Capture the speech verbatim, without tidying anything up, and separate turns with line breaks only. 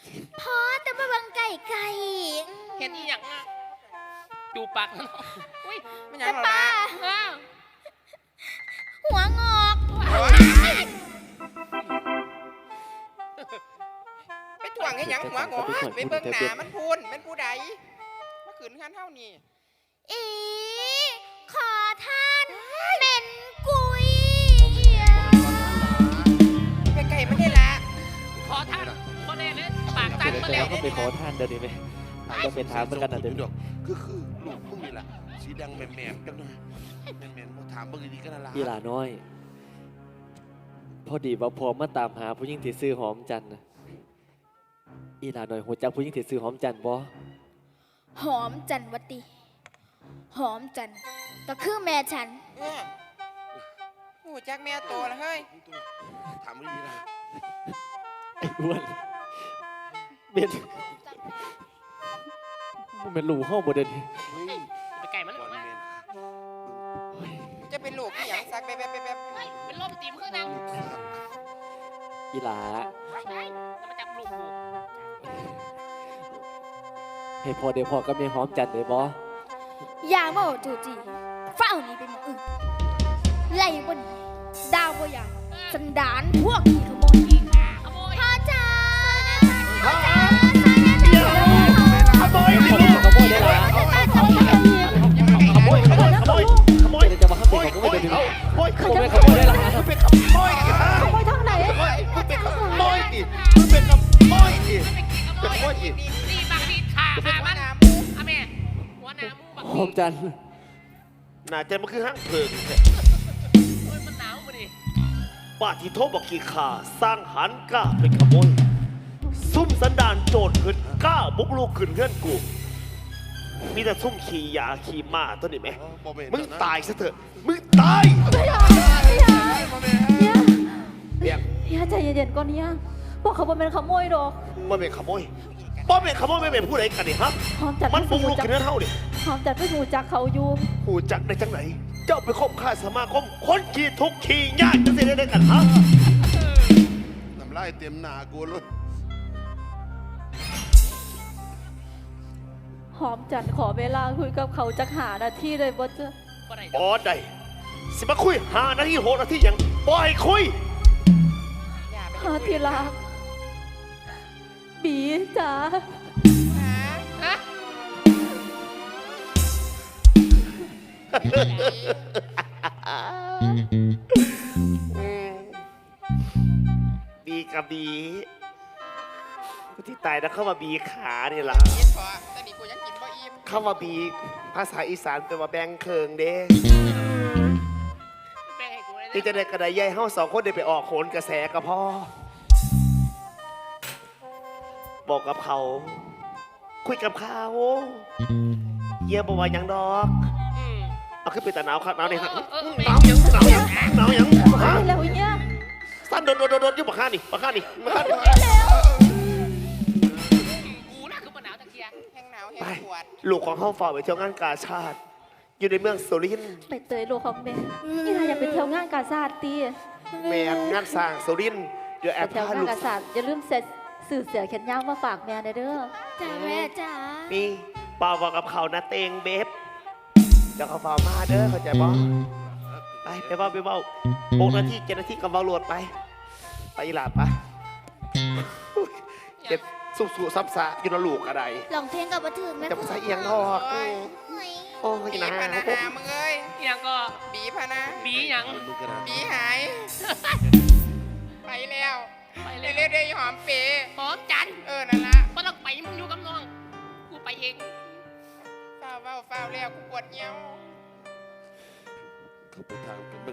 พอแต่มาบังไก่ไก่
เห็นอีหยังอ่ะจูปากแล้วเนาะอุ้ย
ไม่หยั
แต่
งหรอก
ป้า
นะ
อ้าว
หัวงอก
ไปถ่วงให้หยังหัวงอไปเบิ่งหน้ามันพูนเป็นผู้ใดมาขืนข้านเท่านี้
อีขอท่านเป็นกุย
ไปไก่ไม่ได้ละ
ขอท่านคนเล่เลยปากตันมา
แต่
แล้ว
ก็ไปขอท่านเดี๋ยวนี้ไหมก็เป็นถามเหมือนกันนะเดี๋ยวนี้
คือคือลูกมึงนี่แหละสีแดงแหม่มแหม่มจังหน่อยแหม่มแหม่มมาถามเบิ่งดีๆก็น่ารัก
อีหลาน้อย พอดีว่าพอมาตามหาผู้หญิงที่ซื้อหอมจันทร์นะอีหลาน้อยหัวจักผู้หญิงที่ซื้อหอมจันทร์บ่
หอมจันวตีหอมจันก็คือแม่ฉัน
เออโอ้จักแม่โตแล้วเฮ้ย
ถามดีๆนะ
ไอ้อ้วนเป็นมันเป็นหลูห้องบ่เดิน
เฮ้ย
ไปไก่มัน
ก่อน
มา
เมน
จะเป็นลูกที่หยังซักไปแบบแบบ
เฮ้ยเป็นลมตีมขึ้นนะ
อีหลา
ไปจะมาจับลูกกู
ให้พอเดี๋ยวพอก็มีหอมจันทร์เลยบ่
อย่ามาเอาจูจีเฝ้านี่เป็นหมออื่นไล่บนดาวบอยาสันดานพวกขี้ขโมย
ขโมย
พ่อจ๋า
ขโมยขโมยได้ละขโมยขโมยขโมยขโมยจะมาขโมยขโมยเดี๋ยวนี้ขโมยขโมยขโมยได้ละ
มึงเป็นขโมยดิฮะ
ขโมยทางไหน
มึงเป็นขโมยดิมึงเป็นขโมยดิ
เป็นขโมย
ขโมยดิ
นี่บักดีขาขา
หัว
มัน
หน้ามู
อะแม่หัวหน้ามูบัก
หอมจันทร์
น่าจะมันคือห้างเพิงแท้
โอ้ยมันหนาวมาดิ
ป้าที่โทษบอกกี่ข่าสร้างหันกล้าเป็นขโมยซุ่มสันดานโจรขึ้นกล้าบุกลูกขึ้นเงื่อนกู มีแต่ซุ่มขี่ยาขี่ม้าตัวนี้ไหม
บ่แน
มึง
นะ
ตายซะเถอะ มึงตาย
บ่แม่น
เนี่ย
เบียง
เฮียใจเย็นๆก่อนเนี่ยบอกเขาบ่เป็นขโมยดอก
มันเป็นขโมยป้อเป็นขโมยไม่เป็นผู้ใดกันนี่ฮะ
หอมจัด
มันบุกลูก
จั
ขึ้นเงื่อนเท่านี่
หอมจัดไม่หูจักเขาอยู่
หูจักได้จังไหน เจ้าไปคบข้าสมาคมคนขี่ทุกข์ขี่ยากจะเสียได้กันฮะ
น้ำลายเต็มหน้ากูเลย
หอมจัดขอเวลาคุยกับเขาจักหานาทีเลยบ่เจ้า
บ่ได้
อ๋อได้สิมาคุยหานาทีโหดนาทีอย่างบ่ให้คุย
อย่าไป
หาทีรักบีจ๋า
หา
ฮะ
บีกับบีกูที่ตายนะเข้ามาบีขาเนี่ยล่ะ
กินพอแต่นี่กูยังกินบ่อิ่ม
เข้ามาบีภาษาอีสานเป็นว่าแบงเคิงเด้
แบ่งให้กูเลยนะ
ที่จะได้กระไดใหญ่เฮาสองคนได้ไปออกโขนกระแสกับพ่อบอกกับเขา คุยกับเขาเยี่ยมบอกว่าหยังดอก
อืม
เอาขึ้นไปแต่หนาวครับหนาวนี่ฮะ
เออเออ
หนาวหยังหนาวหยังหนาวหยังฮะ
ไปแล้วเนี่ย
สั้นโดนโดนโดนโดนอยุบปากข้านี่ปากข้านี่ปากข้านี่
กูน่ะคือมันหนาวตะเกียง
แห้งหนาวแห้
ไป
งปวด
ลูกของเฮาฝ่ากไปเที่ยวงานกาชาติ อยู่ในเมืองสุรินทร์
ไปเตยโลกของแม่นี่นายอยากไปเที่ยวงานกาซาดตี
แม่งานสร้างสุรินทร์เดี๋ยวแอ
ไป
บ
เที่ยวาน
พางลูก
กาซาดอย่าลืมเสร็จสื่อเสือแขนยาวมาฝากแม่เด้อ
จ้าแม่จ๋า
นี่เปล่าบอกกับเขานะเตงเบบเดี๋ยวเขาฝ่ามาเด้อเข้าใจบ่ไปไปเบ้าไปเบ้าหกนาทีเจ็ดนาทีกับเบ้าโหลดไป ไปอีหลาดไปเจ็บสุบสุซับซะอยู่ในลูกอะไร
ลองเพลงกับบันทึกแม่
จะไปใส่เอียงทอก
โอ้ย
โอ้ย
บี
นะ
พะนาหามึงเอ้ย
อีหยังก็
บีพะนะ
บีหยัง
มึงกันนะ
บีหาย ไปแล้ว
ไปเล
เร็
ยว
ๆเดี๋ยวหอมเป๋
หอมจันทร์
เออนั่นละ
บ่ต้องไปมึงอยู่กับน้อง กูไปเอง
เฝ้าเฝ้าเฝ้าแล้วกูปวดเงี้ยว
เขาไปทาง